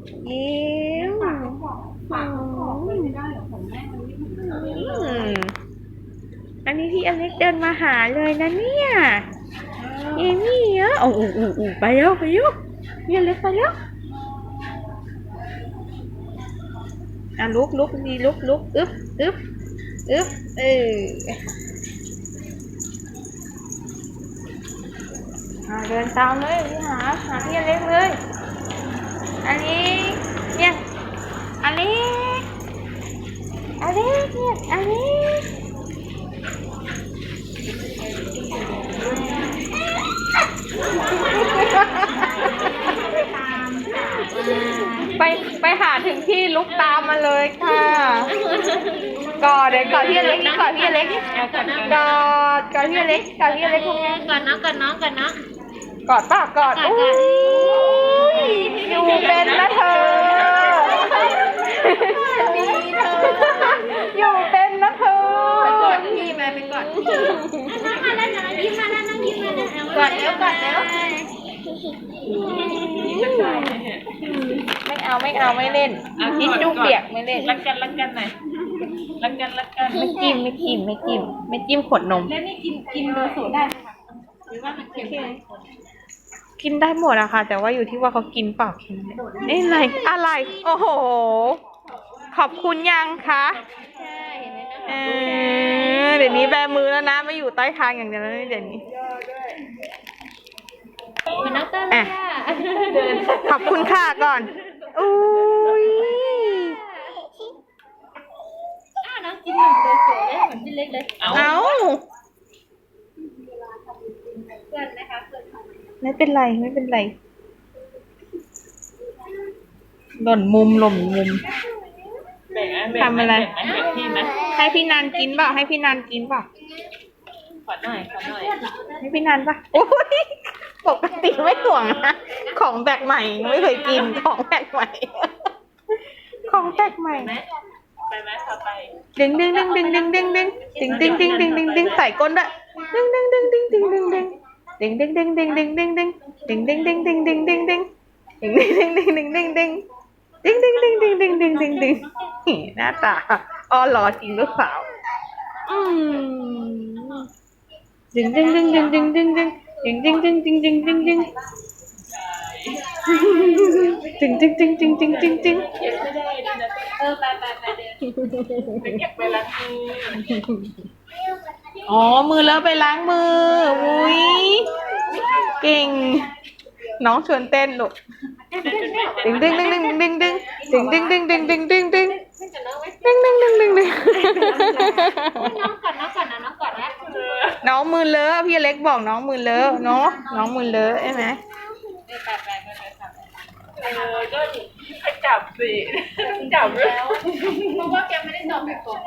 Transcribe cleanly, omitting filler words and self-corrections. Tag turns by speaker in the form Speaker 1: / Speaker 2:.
Speaker 1: ยิ้ม
Speaker 2: ฝากของเลยไม่ได้เหรอของแม่มันไม่ถึงเลย
Speaker 1: อันนี้พี่อเล็กเดินมาหาเลยนะเนี่ยเอมี่เยอะโอ้โหไปแล้วไปแล้วพี่อเล็กไปแล้วลุกดีลุกอึ๊บอึ๊บเดินตามเลยหาพี่อเล็กเลยอันนี้เนี่ยอันนี้เนี่ยอันนี้ไปหาถึงที่ลุกตามมาเลยค่ะเดี๋ยวก่อนพี่อเล็กก่อนพี่อเล็กก่อนพี่อเล็กทำไง
Speaker 3: ก่อนน้อง
Speaker 1: กอดป่ะกอดอยู่เป็นนะเธออยู่เป็นนะเธอ
Speaker 2: ไปกอดพี่แม่ไปกอดพี่
Speaker 3: นั่งมาแล้วนะยิ้มมาแล้วนั่งยิ้มมาแล้ว
Speaker 2: กอดแล้ว
Speaker 1: ไม่เล่นทิชชู่เปียกไม่เล่น
Speaker 2: รักกันหน่อยรักกัน
Speaker 1: ไม่จิ้มขวดนม
Speaker 2: แล้วนี่กินเบอร์สูตรได้ไหมคะหรือว่ามันเค็ม
Speaker 1: กินได้หมดอะค่ะแต่ว่าอยู่ที่ว่าเขากินเปล่ากินอะไรโอ้โหขอบคุณยังคะเดี๋ยวนี้แบมือแล้วนะไม่อยู่ใต้คางอย่างเดียวแล้วเดี๋ยวนี้
Speaker 3: มันน้องเต้นเลย
Speaker 1: ขอบคุณค่ะก่อนอุ้ย
Speaker 3: น้องกินหนุ่มเลยสวยเลยเหมือนพี่เล็กเลย
Speaker 1: เอา
Speaker 3: เพื่อนนะคะ
Speaker 1: ไม่เป็นไรหล่นมุมทำอะไรให้พี่นันกินเปล่า
Speaker 2: ขอหน่อย
Speaker 1: ให้พี่นันป่ะโอ้ยปกติไม่ห่วงนะของแปลกใหม่ไม่เคยกินของแปลกใหม่
Speaker 2: ไปไหมพาไป
Speaker 1: ดึงใส่ก้นด้วยดึงหน้าตาอ้อหล่อจริงหรือเปล่าดึง
Speaker 2: ไปเก็บไปล้างมือ
Speaker 1: อ๋อมือแล้วไปล้างมืออุ้ยเก่งน้องชวนเต้นลูกดึงน้
Speaker 3: องก่อนนะ
Speaker 1: น้องมือเลอะพี่เล็กบอกน้องมือเลอะเนาะน้องมือเลอะใช่ไหม
Speaker 2: ก็จับสิจับแล้วเพราะว่าแกไม่ได้ตอบแบบ